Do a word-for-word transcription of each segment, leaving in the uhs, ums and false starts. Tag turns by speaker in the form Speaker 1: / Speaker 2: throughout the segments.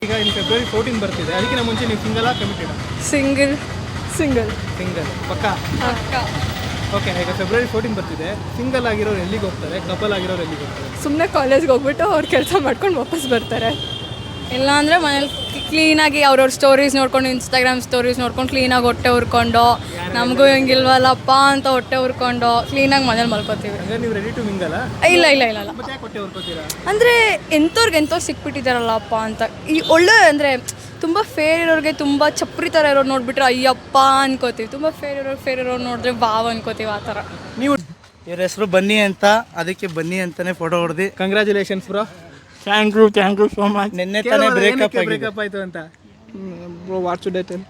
Speaker 1: ಈಗ ಇನ್ನು February fourteen ಬರ್ತಿದೆ, ಅದಕ್ಕಿಂತ ಮುಂಚೆ ನೀವು single committed?
Speaker 2: Single single
Speaker 1: single ಪಕ್ಕ. ಓಕೆ, ಈಗ ಫೆಬ್ರವರಿ ಫೋರ್ಟೀನ್ ಬರ್ತಿದೆ, ಸಿಂಗಲ್ ಆಗಿರೋರು ಎಲ್ಲಿಗೆ ಹೋಗ್ತಾರೆ, ಕಪಲ್ ಆಗಿರೋರು ಎಲ್ಲಿಗೆ ಹೋಗ್ತಾರೆ?
Speaker 2: ಸುಮ್ಮನೆ ಕಾಲೇಜ್ಗೆ ಹೋಗ್ಬಿಟ್ಟು ಅವ್ರು ಕೆಲಸ ಮಾಡ್ಕೊಂಡು ವಾಪಸ್ ಬರ್ತಾರೆ.
Speaker 3: ಇಲ್ಲ ಅಂದರೆ ಮನೇಲಿ ಕ್ಲೀನಾಗಿ ಅವ್ರವ್ರ ಸ್ಟೋರೀಸ್ ನೋಡ್ಕೊಂಡು, ಇನ್ಸ್ಟಾಗ್ರಾಮ್ ಸ್ಟೋರೀಸ್ ನೋಡ್ಕೊಂಡು ಕ್ಲೀನಾಗಿ ಹೊಟ್ಟೆ ಹುರ್ಕೊಂಡು, ನಮಗೂ ಹಿಂಗಿಲ್ವಲ್ಲಪ್ಪ ಅಂತ ಹೊಟ್ಟೆ ಹುರ್ಕೊಂಡು ಕ್ಲೀನಾಗಿ ಮನೇಲಿ ಮಲ್ಕೋತೀವಿ.
Speaker 1: ಅಂದರೆ ನೀವು ರೆಡಿ ಟು ಮಿಂಗಲ್ಲ?
Speaker 3: ಇಲ್ಲ ಇಲ್ಲ ಇಲ್ಲ ಇಲ್ಲ
Speaker 1: ಮತ್ತೆ ಯಾಕೆ ಹೊಟ್ಟೆ ಹುರ್ಕೋತೀರಾ?
Speaker 3: ಅಂದರೆ ಎಂಥವ್ರಿಗೆ ಎಂಥವ್ರು ಸಿಕ್ಬಿಟ್ಟಿದ್ದಾರಲ್ಲಪ್ಪ ಅಂತ. ಈ ಒಳ್ಳೆ ಅಂದರೆ ತುಂಬ ಫೇರ್ ಇರೋರಿಗೆ, ತುಂಬ ಚಪ್ರಿ ಥರ ಇರೋರು ನೋಡಿಬಿಟ್ರೆ ಅಯ್ಯಪ್ಪ ಅನ್ಕೋತೀವಿ. ತುಂಬ ಫೇರ್ ಇರೋರು ಫೇರ್ ಇರೋರು ನೋಡಿದ್ರೆ ವಾವ್ ಅನ್ಕೋತೀವಿ. ಆ ಥರ.
Speaker 1: ನೀವು
Speaker 4: ಇವ್ರ ಹೆಸರು ಬನ್ನಿ ಅಂತ, ಅದಕ್ಕೆ ಬನ್ನಿ ಅಂತಾನೆ ಫೋಟೋ ಹೊಡೆದು.
Speaker 1: Congratulations bro.
Speaker 4: Thank you thank you so much. ನಿನ್ನೆ ತಾನೇ ಬ್ರೇಕಪ್
Speaker 1: ಬ್ರೇಕಪ್ ಆಯಿತು ಅಂತ
Speaker 4: bro. What should I tell?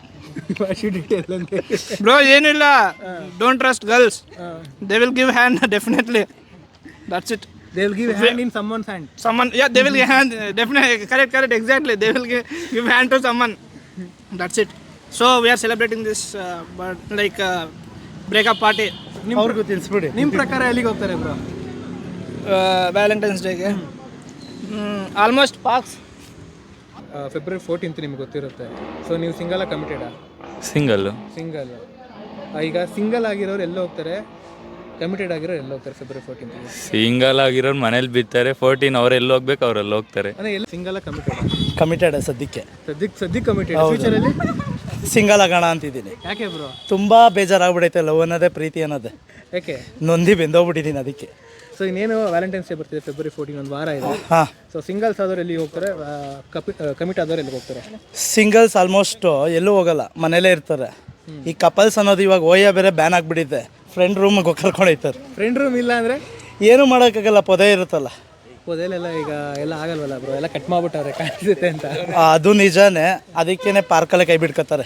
Speaker 1: Bro
Speaker 4: bro ಏನಿಲ್ಲ, don't trust girls, they will give hand definitely, that's it.
Speaker 1: They will give hand in someone's hand.
Speaker 4: Someone, yeah, they will give hand, definitely, correct, correct, exactly. They will give, give hand to someone. That's it. So we are celebrating this, uh, but like uh, breakup party.
Speaker 1: ಅವ್ರಿಗೂ ತಿಳಿಸ್ಬಿಡಿ. ನಿಮ್ಮ ಪ್ರಕಾರ ಎಲ್ಲಿಗೆ ಹೋಗ್ತಾರೆ bro?
Speaker 4: Valentine's ಡೇಗೆ almost parks.
Speaker 1: February fourteenth ನಿಮ್ಗೆ ಗೊತ್ತಿರುತ್ತೆ. So ನೀವು single ಕಮಿಟೆಡಾ?
Speaker 5: ಸಿಂಗಲ್ಲು.
Speaker 1: ಸಿಂಗಲ್. ಈಗ ಸಿಂಗಲ್ ಆಗಿರೋರು ಎಲ್ಲ ಹೋಗ್ತಾರೆ, ಕಮಿಟೆಡ್ ಆಗಿರೋ ಎಲ್ಲ ಹೋಗ್ತಾರೆ ಫೆಬ್ರವರಿ ಫೋರ್ಟೀನ್?
Speaker 5: ಸಿಂಗಲ್ ಆಗಿರೋರು ಮನೇಲಿ ಬಿತ್ತಾರೆ, ಫೋರ್ಟೀನ್ ಅವ್ರು ಎಲ್ಲಿ ಹೋಗ್ಬೇಕು ಅವ್ರೆಲ್ಲ ಹೋಗ್ತಾರೆ.
Speaker 1: ಅಂದರೆ ಎಲ್ಲ ಸಿಂಗಲ್ ಕಮಿಟೆಡ್?
Speaker 4: ಕಮಿಟೆಡ್ ಸದ್ಯಕ್ಕೆ.
Speaker 1: ಸದ್ಯಕ್ಕೆ ಸದ್ಯಕ್ಕೆ ಕಮಿಟೆಡ್. ಫ್ಯೂಚರಲ್ಲಿ
Speaker 4: ಸಿಂಗಲ್ ಆಗೋಣ ಅಂತಿದ್ದೀನಿ.
Speaker 1: ಯಾಕೆ ಬ್ರೋ?
Speaker 4: ತುಂಬ ಬೇಜಾರಾಗ್ಬಿಡೈತೆ ಲವ್ ಅನ್ನೋದೇ, ಪ್ರೀತಿ ಅನ್ನೋದೇ.
Speaker 1: ಯಾಕೆ?
Speaker 4: ನೊಂದಿ ಬೆಂದೋಗ್ಬಿಟ್ಟಿದ್ದೀನಿ ಅದಕ್ಕೆ.
Speaker 1: ಸೊ ಇನ್ನೇನು ವ್ಯಾಲೆಂಟೈನ್ಸ್ ಡೇ ಬರ್ತಿದೆ, ಫೆಬ್ರವರಿ ಫೋರ್ಟೀನ್, ಒಂದು ವಾರ ಇದೆ.
Speaker 4: ಹಾಂ.
Speaker 1: ಸೊ ಸಿಂಗಲ್ಸ್ ಆದವ್ರು ಎಲ್ಲಿಗೆ ಹೋಗ್ತಾರೆ, ಕಪಿ ಕಮಿಟ್ ಆದವ್ರು ಎಲ್ಲಿಗೆ ಹೋಗ್ತಾರೆ?
Speaker 4: ಸಿಂಗಲ್ಸ್ ಆಲ್ಮೋಸ್ಟ್ ಎಲ್ಲೂ ಹೋಗಲ್ಲ, ಮನೇಲೇ ಇರ್ತಾರೆ. ಈ ಕಪಲ್ಸ್ ಅನ್ನೋದು ಇವಾಗ ಓಯ ಬೇರೆ ಬ್ಯಾನ್ ಆಗಿಬಿಟ್ಟಿದೆ. ಫ್ರೆಂಡ್ ರೂಮಿಗೆ ಕರ್ಕೊಂಡೋಯ್ತಾರೆ.
Speaker 1: ಫ್ರೆಂಡ್ ರೂಮ್ ಇಲ್ಲ ಅಂದರೆ
Speaker 4: ಏನೂ ಮಾಡೋಕ್ಕಾಗಲ್ಲ, ಪೊದೆ ಇರುತ್ತಲ್ಲ.
Speaker 1: ಪೊದೆಲೆಲ್ಲ ಈಗ ಎಲ್ಲ ಆಗಲ್ವಲ್ಲ ಬ್ರೋ, ಎಲ್ಲ ಕಟ್ ಮಾಡ್ಬಿಟ್ಟವ್ರೆ ಕಾಣಿಸುತ್ತೆ ಅಂತ.
Speaker 4: ಅದು ನಿಜಾನೇ, ಅದಕ್ಕೇನೆ ಪಾರ್ಕಲ್ಲೇ ಕೈ ಬಿಡ್ಕೊತಾರೆ.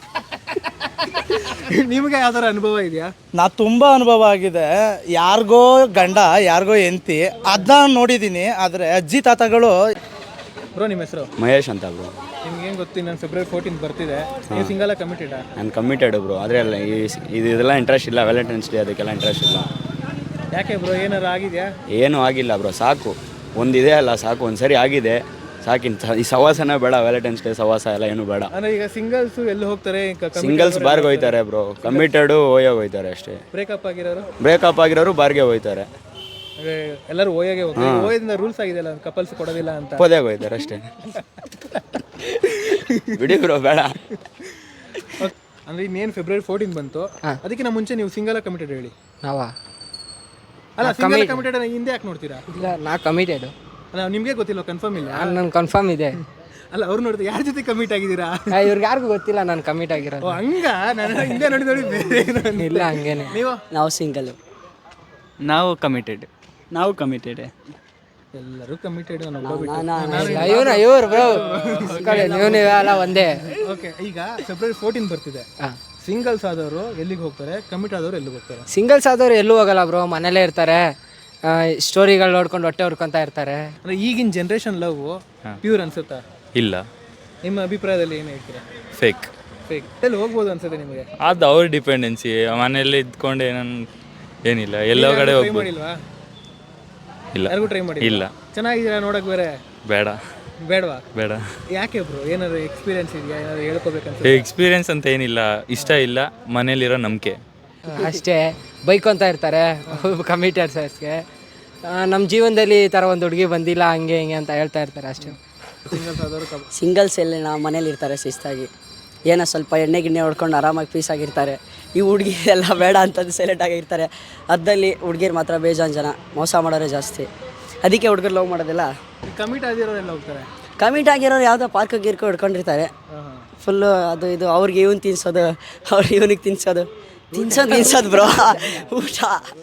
Speaker 1: ನಿಮಗೆ ಯಾವ್ದಾರ ಅನುಭವ ಇದೆಯಾ?
Speaker 4: ನಾ ತುಂಬ ಅನುಭವ ಆಗಿದೆ. ಯಾರಿಗೋ ಗಂಡ, ಯಾರಿಗೋ ಹೆಂಡತಿ, ಅದನ್ನ ನೋಡಿದ್ದೀನಿ. ಆದರೆ ಅಜ್ಜಿ ತಾತಗಳು.
Speaker 1: ಬ್ರೋ ನಿಮ್ಮ ಹೆಸರು?
Speaker 6: ಮಹೇಶ್ ಅಂತ ಬ್ರೋ.
Speaker 1: ನಿಮ್ಗೆ ಏನು ಗೊತ್ತಿ, ನಾನು ಫೆಬ್ರವರಿ ಫೋರ್ಟೀನ್ ಬರ್ತಿದೆ, ನೀವು ಸಿಂಗಲ್ ಕಮಿಟೆಡಾ?
Speaker 6: ನಾನು ಕಮಿಟೆಡ್ ಬ್ರೋ, ಆದರೆ ಅಲ್ಲ ಈ ಇದು ಇದೆಲ್ಲ ಇಂಟ್ರೆಸ್ಟ್ ಇಲ್ಲ. ವ್ಯಾಲೆಂಟೈನ್ಸ್ ಡೇ ಅದಕ್ಕೆಲ್ಲ ಇಂಟ್ರೆಸ್ಟ್ ಇಲ್ಲ.
Speaker 1: ಯಾಕೆ ಬ್ರೋ, ಏನಾರು ಆಗಿದೆಯಾ?
Speaker 6: ಏನೂ ಆಗಿಲ್ಲ ಬ್ರೋ, ಸಾಕು. ಒಂದಿದೆ ಅಲ್ಲ ಸಾಕು, ಒಂದು ಸರಿ ಆಗಿದೆ ಸಾಕಿಂತ. ಈ ಸವಾಸನೇ ಬೇಡ, ವ್ಯಾಲೆಂಟೈನ್ಸ್ ಡೇ ಸವಾಸ ಎಲ್ಲ ಏನೂ ಬೇಡ.
Speaker 1: ಅಂದರೆ ಈಗ ಸಿಂಗಲ್ಸು ಎಲ್ಲಿ ಹೋಗ್ತಾರೆ?
Speaker 6: ಸಿಂಗಲ್ಸ್ ಬಾರ್ಗೆ ಹೋಯ್ತಾರೆ ಬ್ರೋ, ಕಮಿಟೆಡು ಓಯೋಗೆ ಹೋಯ್ತಾರೆ ಅಷ್ಟೇ.
Speaker 1: ಬ್ರೇಕಪ್ ಆಗಿರೋರು?
Speaker 6: ಬ್ರೇಕಪ್ ಆಗಿರೋರು ಬಾರ್ಗೆ ಹೋಯ್ತಾರೆ.
Speaker 1: ಅಂದರೆ ಎಲ್ಲರೂ ಓಯಾಗೆ ಹೋಗ್ತಾರೆ. ಓಯದಿಂದ ರೂಲ್ಸ್ ಆಗಿದೆಯಲ್ಲ, ಕಪಲ್ಸ್ ಕೊಡೋದಿಲ್ಲ ಅಂತ.
Speaker 6: ಪೊದೆಗೆ ಹೋಯ್ತಾರೆ ಅಷ್ಟೇ. ಬಿಡಿ ಬ್ರೋ, ಬೇಡ.
Speaker 1: ಅಂದರೆ ಇನ್ನೇನು ಫೆಬ್ರವರಿ ಫೋರ್ಟೀನ್ ಬಂತು, ಅದಕ್ಕಿಂತ ಮುಂಚೆ ನೀವು ಸಿಂಗಲ್ ಕಮಿಟೆಡ್ ಹೇಳಿ.
Speaker 7: ನಾವಾ?
Speaker 1: ಅಲ್ಲ, ಸಿಂಗಲ್ ಕಮಿಟೆಡ್ ಹಿಂದೆ ಯಾಕೆ ನೋಡ್ತೀರಾ?
Speaker 7: ಇಲ್ಲ, ನಾ ಕಮಿಟೆಡು.
Speaker 1: ಅಲ್ಲ, ನಿಮಗೆ ಗೊತ್ತಿಲ್ಲ, ಕನ್ಫರ್ಮ್ ಇಲ್ಲ?
Speaker 7: ನನ್ನ ಕನ್ಫರ್ಮ್ ಇದೆ.
Speaker 1: ಅಲ್ಲ, ಅವ್ರು ನೋಡಿದ್ರೆ ಯಾರ ಜೊತೆ ಕಮಿಟ್ ಆಗಿದ್ದೀರಾ?
Speaker 7: ಇವ್ರಿಗೆ ಯಾರಿಗೂ ಗೊತ್ತಿಲ್ಲ ನಾನು ಕಮಿಟ್ ಆಗಿರೋದು.
Speaker 1: ಓ ಹಂಗ, ನಾನು ಹಿಂದೆ ನೋಡಿ ನೋಡಿ ಬೇರೆ ಏನೋ ಅಂದೆ.
Speaker 7: ಇಲ್ಲ, ಹಂಗೇನೆ.
Speaker 1: ನೀವು?
Speaker 7: ನಾವು ಸಿಂಗಲ್.
Speaker 8: ನಾವು ಕಮಿಟೆಡ್. ನಾವು ಕಮಿಟೆಡ್.
Speaker 1: ಎಲ್ಲರೂ ಕಮಿಟೆಡ್.
Speaker 7: ಇವನು ಇವ್ರು ಬ್ರೋ, ನೀವು ನೀವೆಲ್ಲ ಒಂದೇ.
Speaker 1: ಓಕೆ, ಈಗ ಫೆಬ್ರವರಿ ಫೋರ್ಟೀನ್ ಬರ್ತಿದೆ, ಸಿಂಗಲ್ಸ್ ಆದವರು ಎಲ್ಲಿಗೆ ಹೋಗ್ತಾರೆ, ಕಮಿಟ್ ಆದವರು ಎಲ್ಲಿಗೆ ಹೋಗ್ತಾರೆ?
Speaker 7: ಸಿಂಗಲ್ಸ್ ಆದವ್ರು ಎಲ್ಲೂ ಹೋಗಲ್ಲ ಬ್ರೋ, ಮನೇಲೇ ಇರ್ತಾರೆ. ಸ್ಟೋರಿಗಳು ನೋಡ್ಕೊಂಡು ಹೊಟ್ಟೆ ಹುರ್ಕೊಂತ ಇರ್ತಾರೆ.
Speaker 1: ಅಂದರೆ ಈಗಿನ ಜನ್ರೇಷನ್ ಲವ್ ಪ್ಯೂರ್ ಅನ್ಸುತ್ತಾ?
Speaker 5: ಇಲ್ಲ.
Speaker 1: ನಿಮ್ಮ ಅಭಿಪ್ರಾಯದಲ್ಲಿ ಏನು ಹೇಳ್ತೀರಾ?
Speaker 5: ಫೇಕ್.
Speaker 1: ಫೇಕ್. ಎಲ್ಲಿ ಹೋಗ್ಬೋದು ಅನ್ಸುತ್ತೆ ನಿಮಗೆ?
Speaker 5: ಅದು ಅವ್ರ ಡಿಪೆಂಡೆನ್ಸಿ. ಮನೇಲಿ ಇದ್ಕೊಂಡು ಏನನ್ ಏನಿಲ್ಲ, ಎಲ್ಲೋ ಕಡೆ
Speaker 1: ಟ್ರೈ
Speaker 5: ಹೋಗ್ಬೋದು.
Speaker 1: ಮಾಡಿಲ್ವಾ?
Speaker 5: ಇಲ್ಲ.
Speaker 1: ಯಾರಿಗೂ ಟ್ರೈ ಮಾಡಿ
Speaker 5: ಇಲ್ಲ.
Speaker 1: ಚೆನ್ನಾಗಿದ್ದೀರಾ ನೋಡಕ್ ಬೇರೆ?
Speaker 5: ಬೇಡ.
Speaker 1: ಬೇಡವಾ?
Speaker 5: ಬೇಡ.
Speaker 1: ಯಾಕೆ ಬ್ರೋ, ಏನಾದ್ರು ಎಕ್ಸ್ಪೀರಿಯನ್ಸ್ ಇದೆಯಾ? ಏನಾದ್ರು ಹೇಳ್ಕೋಬೇಕಂತ?
Speaker 5: ಎಕ್ಸ್ಪೀರಿಯನ್ಸ್ ಅಂತ ಏನಿಲ್ಲ, ಇಷ್ಟ ಇಲ್ಲ, ಮನೇಲಿರೋ ನಂಬಿಕೆ
Speaker 7: ಅಷ್ಟೇ. ಬೈಕೊಂತ ಇರ್ತಾರೆ ಕಮಿಟೆಡ್ಸ್ಗೆ. ನಮ್ಮ ಜೀವನದಲ್ಲಿ ಈ ಥರ ಒಂದು ಹುಡುಗಿ ಬಂದಿಲ್ಲ, ಹಂಗೆ ಹಿಂಗೆ ಅಂತ ಹೇಳ್ತಾ ಇರ್ತಾರೆ ಅಷ್ಟೇ.
Speaker 1: ಸಿಂಗಲ್ಸ್ ಆದವರು
Speaker 9: ಸಿಂಗಲ್ಸ್ ಎಲ್ಲ ನಾವು ಮನೇಲಿ ಇರ್ತಾರೆ ಶಿಸ್ತಾಗಿ, ಏನೋ ಸ್ವಲ್ಪ ಎಣ್ಣೆ ಗಿಣ್ಣೆ ಹೊಡ್ಕೊಂಡು ಆರಾಮಾಗಿ ಪೀಸ್ ಆಗಿರ್ತಾರೆ. ಈ ಹುಡುಗಿ ಎಲ್ಲ ಬೇಡ ಅಂತಂದು ಸೈಲೆಂಟ್ ಆಗಿರ್ತಾರೆ. ಅದ್ದಲ್ಲಿ ಹುಡುಗಿರು ಮಾತ್ರ ಬೇಜಾನ್ ಜನ ಮೋಸ ಮಾಡೋರೇ ಜಾಸ್ತಿ. ಅದಕ್ಕೆ ಹುಡುಗರು ಲವ್ ಮಾಡೋದಿಲ್ಲ.
Speaker 1: ಕಮಿಟ್ ಆಗಿರೋರು ಎಲ್ಲ ಹೋಗ್ತಾರೆ.
Speaker 9: ಕಮಿಟ್ ಆಗಿರೋರು ಯಾವುದೋ ಪಾರ್ಕ್ ಗಿರ್ಕೊ ಹಿಡ್ಕೊಂಡಿರ್ತಾರೆ. ಫುಲ್ಲು ಅದು ಇದು ಅವ್ರಿಗೆ ಇವ್ನು ತಿನ್ಸೋದು, ಅವ್ರಿಗೆ ಇವನಿಗೆ ತಿನ್ಸೋದು, ತಿನ್ಸೋದು ತಿನ್ಸೋದು ಬ್ರೋ, ಊಟ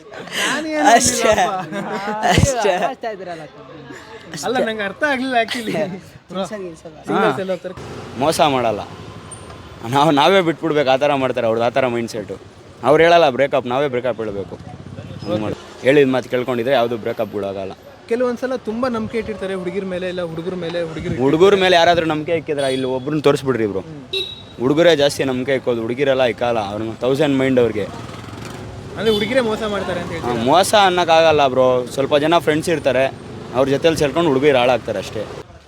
Speaker 9: ಅಷ್ಟೇ ಅಷ್ಟೇ.
Speaker 1: ಅಲ್ಲ, ನಂಗೆ ಅರ್ಥ ಆಗಲಿಲ್ಲ ಆ್ಯಕ್ಚುಲಿ. ಸಿಂಗಲ್ಸ್ ಎಲ್ಲ ಹೋಗ್ತಾರೆ,
Speaker 6: ಮೋಸ ಮಾಡಲ್ಲ. ನಾವು ನಾವೇ ಬಿಟ್ಬಿಡ್ಬೇಕು, ಆ ಥರ ಮಾಡ್ತಾರೆ ಅವ್ರದ್ದು, ಆ ಥರ ಮೈಂಡ್ ಸೆಟ್ಟು. ಅವ್ರು ಹೇಳಲ್ಲ ಬ್ರೇಕಪ್, ನಾವೇ ಬ್ರೇಕಪ್ ಹೇಳಬೇಕು. ಹೇಳಿದ ಮಾತು ಕೇಳ್ಕೊಂಡಿದ್ರೆ ಯಾವುದು ಬ್ರೇಕಪ್ಗಳಾಗಲ್ಲ.
Speaker 1: ಕೆಲವೊಂದ್ಸಲ ತುಂಬ ನಂಬಿಕೆ ಇಟ್ಟಿರ್ತಾರೆ ಹುಡುಗಿರ ಮೇಲೆ, ಇಲ್ಲ ಹುಡುಗರ ಮೇಲೆ. ಹುಡುಗಿರು
Speaker 6: ಹುಡುಗರ ಮೇಲೆ ಯಾರಾದರೂ ನಂಬಿಕೆ ಇಕ್ಕಿದ್ರೆ ಇಲ್ಲಿ ಒಬ್ರನ್ನ ತೋರಿಸ್ಬಿಡ್ರಿ ಬ್ರೋ. ಹುಡುಗರೇ ಜಾಸ್ತಿ ನಂಬಿಕೆ ಇಕ್ಕೋದು, ಹುಡುಗಿರೆಲ್ಲ ಇಕ್ಕಲ್ಲ. ಅವ್ರನ್ನ ತೌಸಂಡ್ ಮೈಂಡ್ ಅವ್ರಿಗೆ.
Speaker 1: ಅಂದರೆ ಹುಡುಗಿರೇ ಮೋಸ ಮಾಡ್ತಾರೆ ಅಂತ ಹೇಳ್ತಾರೆ.
Speaker 6: ಮೋಸ ಅನ್ನೋಕ್ಕಾಗಲ್ಲ ಬ್ರೋ, ಸ್ವಲ್ಪ ಜನ ಫ್ರೆಂಡ್ಸ್ ಇರ್ತಾರೆ, ಅವ್ರ ಜೊತೆಲಿ ಸೇರ್ಕೊಂಡು ಹುಡುಗಿರು ಹಾಳಾಗ್ತಾರೆ ಅಷ್ಟೇ.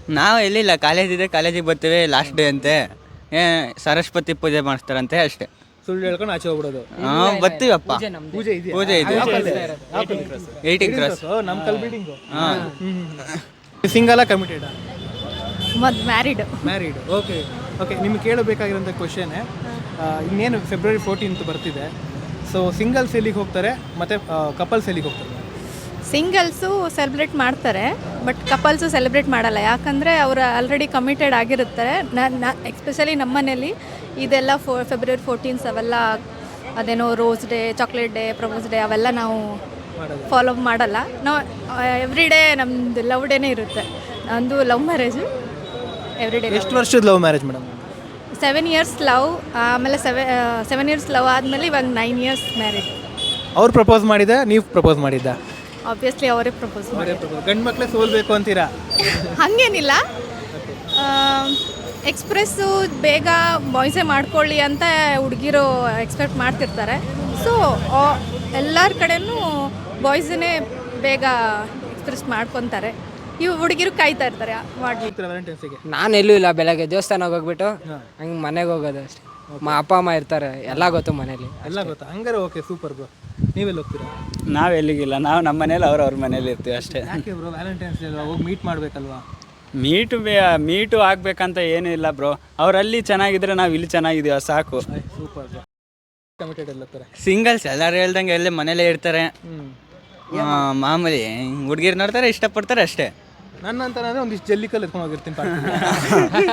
Speaker 8: ನಾವು ಎಲ್ಲಿಲ್ಲ, ಕಾಲೇಜ್ ಇದೆ, ಕಾಲೇಜಿಗೆ ಬರ್ತೀವಿ ಲಾಸ್ಟ್ ಡೇ ಅಂತೆ, ಏ ಸರಸ್ವತಿ ಪೂಜೆ ಮಾಡಿಸ್ತಾರಂತೆ ಅಷ್ಟೇ.
Speaker 1: ಸುಳ್ಳು ಹೇಳ್ಕೊಂಡು ಆಚೆ ಹೋಗ್ಬಿಡೋದು.
Speaker 8: ಹಾಂ ಬರ್ತೀವಪ್ಪ,
Speaker 1: ಪೂಜೆ ಇದೆಯಾ?
Speaker 8: ಪೂಜೆ ಇದೆ, ಏಯ್ಟೀನ್ ಕ್ರಾಸ್.
Speaker 1: ನಮ್ಮ ಕಲ್ ಬಿಲ್ಡಿಂಗು.
Speaker 8: ಹಾಂ.
Speaker 1: ಸಿಂಗಲ ಕಮಿಟೆಡಾ?
Speaker 2: ಮತ್ತು ಮ್ಯಾರಿಡ್.
Speaker 1: ಮ್ಯಾರಿಡ್. ಓಕೆ ಓಕೆ ನಿಮ್ಗೆ ಕೇಳಬೇಕಾಗಿರೋಂಥ ಕ್ವಶನೇ, ಇನ್ನೇನು ಫೆಬ್ರವರಿ ಫೋರ್ಟೀನ್ತ್ ಬರ್ತಿದೆ. ಸೊ ಸಿಂಗಲ್ಸ್ ಎಲ್ಲಿಗೆ ಹೋಗ್ತಾರೆ ಮತ್ತು ಕಪಲ್ಸ್ ಎಲ್ಲಿಗೆ ಹೋಗ್ತಾರೆ?
Speaker 2: ಸಿಂಗಲ್ಸು ಸೆಲೆಬ್ರೇಟ್ ಮಾಡ್ತಾರೆ, ಬಟ್ ಕಪಲ್ಸು ಸೆಲೆಬ್ರೇಟ್ ಮಾಡಲ್ಲ. ಯಾಕಂದರೆ ಅವರು ಆಲ್ರೆಡಿ ಕಮಿಟೆಡ್ ಆಗಿರ್ತಾರೆ. ನ ಎಸ್ಪೆಷಲಿ ನಮ್ಮ ಮನೇಲಿ ಇದೆಲ್ಲ ಫೋ ಫೆಬ್ರವರಿ ಫೋರ್ಟೀನ್ಸ್ ಅವೆಲ್ಲ ಅದೇನೋ rose day, chocolate day, propose day ಅವೆಲ್ಲ ನಾವು ಫಾಲೋ ಮಾಡಲ್ಲ. ನಾವು ಎವ್ರಿ ಡೇ ನಮ್ಮದು ಲವ್ ಡೇನೇ ಇರುತ್ತೆ. ನಂದು ಲವ್ ಮ್ಯಾರೇಜು ಎವ್ರಿ ಡೇ.
Speaker 1: ಎಷ್ಟು ವರ್ಷದ love marriage madam?
Speaker 2: Seven years love, ಆಮೇಲೆ ಸೆವೆ ಸೆವೆನ್ ಇಯರ್ಸ್ ಲವ್ ಆದಮೇಲೆ ಇವಾಗ ನೈನ್ ಇಯರ್ಸ್ ಮ್ಯಾರೇಜ್.
Speaker 1: ಅವ್ರು ಪ್ರಪೋಸ್ ಮಾಡಿದ್ದ, ನೀವು ಪ್ರಪೋಸ್ ಮಾಡಿದ್ದ?
Speaker 2: ಆಬ್ವಿಯಸ್ಲಿ ಅವರೇ ಪ್ರಪೋಸ್ ಮಾಡಿ.
Speaker 1: ಗಂಡು ಮಕ್ಕಳೇ ಸೋಲ್ಬೇಕು ಅಂತೀರಾ?
Speaker 2: ಹಾಗೇನಿಲ್ಲ, ಎಕ್ಸ್ಪ್ರೆಸ್ಸು ಬೇಗ ಬಾಯ್ಸೇ ಮಾಡ್ಕೊಳ್ಳಿ ಅಂತ ಹುಡುಗಿರು ಎಕ್ಸ್ಪೆಕ್ಟ್ ಮಾಡ್ತಿರ್ತಾರೆ. ಸೊ ಎಲ್ಲರ ಕಡೆನೂ ಬಾಯ್ಸನ್ನೇ ಬೇಗ ಎಕ್ಸ್ಪ್ರೆಸ್ ಮಾಡ್ಕೊತಾರೆ. ಇವು ಹುಡುಗಿರು ಕಾಯ್ತಾ ಇರ್ತಾರೆ ಮಾಡಿ.
Speaker 1: ವ್ಯಾಲೆಂಟೈನ್ಸ್ಗೆ
Speaker 7: ನಾನು ಎಲ್ಲೂ ಇಲ್ಲ, ಬೆಳಗ್ಗೆ ದೇವಸ್ಥಾನಕ್ಕೆ ಹೋಗ್ಬಿಟ್ಟು ಹಂಗೆ ಮನೆಗೆ ಹೋಗೋದು ಅಷ್ಟೇ. ಮಾ ಅಪ್ಪ ಅಮ್ಮ ಇರ್ತಾರೆ, ಎಲ್ಲ ಗೊತ್ತು ಮನೇಲಿ.
Speaker 1: ಎಲ್ಲ ಗೊತ್ತಾ? ಹಂಗಾರೆ ಓಕೆ, ಸೂಪರ್ ಬ್ರೋ. ನೀವೆಲ್ಲ ಹೋಗ್ತೀರಾ?
Speaker 8: ನಾವು ಎಲ್ಲಿಗಿಲ್ಲ, ನಾವು ನಮ್ಮ ಮನೇಲಿ ಅವ್ರು ಅವ್ರ ಮನೇಲಿ ಇರ್ತೀವಿ ಅಷ್ಟೇ.
Speaker 1: ಯಾಕೆ ಬ್ರೋ ವ್ಯಾಲೆಂಟೈನ್ಸ್ ಡೇ ಅಲ್ವಾ, ಹೋಗಿ ಮೀಟ್ ಮಾಡಬೇಕಲ್ವಾ?
Speaker 8: ಮೀಟು ಬೇ ಮೀಟು ಆಗಬೇಕಂತ ಏನೂ ಇಲ್ಲ ಬ್ರೋ, ಅವರಲ್ಲಿ ಚೆನ್ನಾಗಿದ್ರೆ ನಾವು ಇಲ್ಲಿ ಚೆನ್ನಾಗಿದ್ದೀವಿ ಸಾಕು.
Speaker 1: Super bro. ಕಮಿಟೆಡ್ ಎಲ್ಲ ತರ
Speaker 8: ಸಿಂಗಲ್ಸ್ ಎಲ್ಲರೂ ಹೇಳ್ದಂಗೆ ಎಲ್ಲೇ ಮನೇಲೇ ಇರ್ತಾರೆ.
Speaker 1: ಹ್ಞೂ
Speaker 8: ಮಾಮೂಲಿ ಹುಡುಗಿರು ನೋಡ್ತಾರೆ, ಇಷ್ಟಪಡ್ತಾರೆ ಅಷ್ಟೇ.
Speaker 1: ನನ್ನ ಅಂತಾನೆ ಒಂದಿಷ್ಟು ಜಲ್ಲಿಕಲ್ಲಿ ಎತ್ಕೊಂಡು ಹೋಗಿರ್ತೀನಿ.